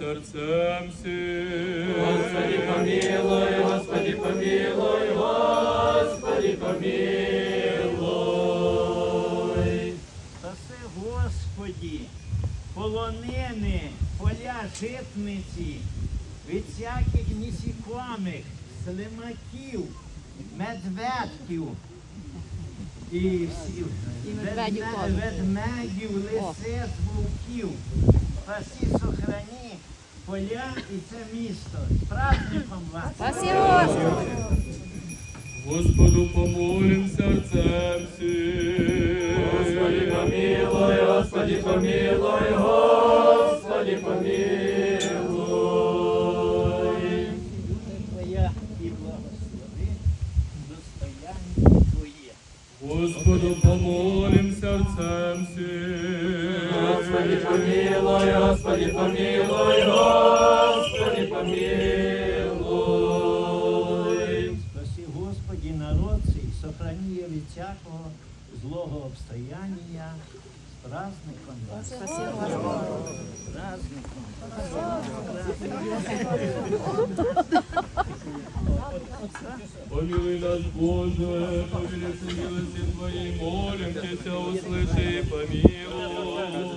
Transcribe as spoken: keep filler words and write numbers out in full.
сердцем всем. Господи, помилуй, Господи, помилуй, Господи, помилуй. Спаси, Господі, полонини, поля житниці, від всяких нісікомих, слимаків, медведків і всіх медведів ведме- теж. ведмедів, лисиць, вовків. Спаси, сохрані поля і це місто. З праздником вас! Спаси, Господи. Господу помолим сердцем всем. Господи, помилуй, Господи, помилуй, Господи, помилуй. Твоя і благослови достояння Твоє. Господу помолим сердцем всем. Господи, помилуй, Господи, помилуй, Господи, помилуй. Спаси, Господи, народ цей, сохрани його від всякого злого обстояння. З праздником вас. Спаси, Господи. З праздником. Помилуй нас, Боже, по великой милости Твоей, молим Тебя, услыши и помилуй.